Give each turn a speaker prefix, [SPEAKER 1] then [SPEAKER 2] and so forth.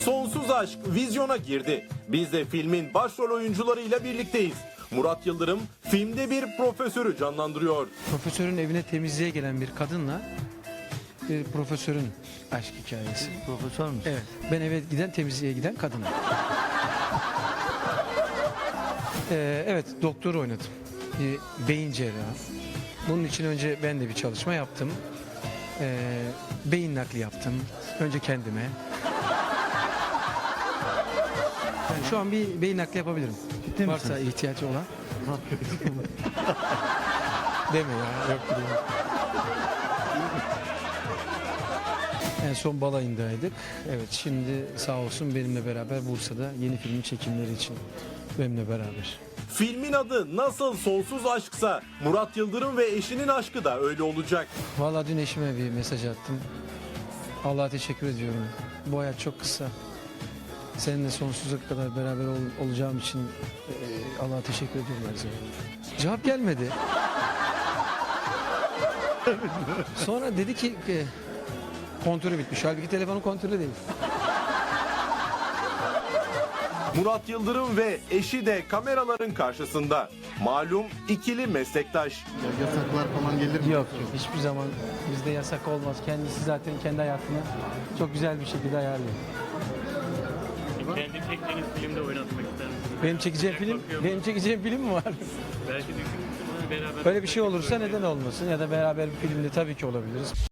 [SPEAKER 1] Sonsuz Aşk vizyona girdi. Biz de filmin başrol oyuncularıyla birlikteyiz. Murat Yıldırım filmde bir profesörü canlandırıyor.
[SPEAKER 2] Profesörün evine temizliğe gelen bir kadınla profesörün aşk hikayesi.
[SPEAKER 3] Profesör müsün?
[SPEAKER 2] Evet. Ben eve giden temizliğe giden kadınım. Evet, doktor oynadım. Beyin cerrahı. Bunun için önce ben de bir çalışma yaptım. Beyin nakli yaptım. Önce kendime. Yani şu an bir beyin nakli yapabilirim.
[SPEAKER 3] Ciddi
[SPEAKER 2] Varsa
[SPEAKER 3] misin?
[SPEAKER 2] ihtiyacı olan. Deme ya. Yok değil. En son balayındaydık. Evet, şimdi sağ olsun benimle beraber Bursa'da yeni filmin çekimleri için benimle beraber.
[SPEAKER 1] Filmin adı nasıl Sonsuz Aşksa Murat Yıldırım ve eşinin aşkı da öyle olacak.
[SPEAKER 2] Vallahi dün eşime bir mesaj attım. Allah'a teşekkür ediyorum. Bu hayat çok kısa. Seninle sonsuza kadar beraber olacağım için Allah'a teşekkür ediyorum her zaman. Cevap gelmedi. Sonra dedi ki kontörü bitmiş. Halbuki telefonun kontörü değil.
[SPEAKER 1] Murat Yıldırım ve eşi de kameraların karşısında. Malum ikili meslektaş.
[SPEAKER 3] Yasaklar falan gelir mi?
[SPEAKER 2] Yok yok, hiçbir zaman bizde yasak olmaz. Kendisi zaten kendi hayatını çok güzel bir şekilde ayarlıyor.
[SPEAKER 4] Kendi çektiğiniz filmde oynatmak ister misiniz?
[SPEAKER 2] Benim çekeceğim film mi var?
[SPEAKER 4] Belki düşünmüşsünüz beraber.
[SPEAKER 2] Böyle bir şey olursa neden olmasın, ya da beraber bir filmde tabii ki olabiliriz.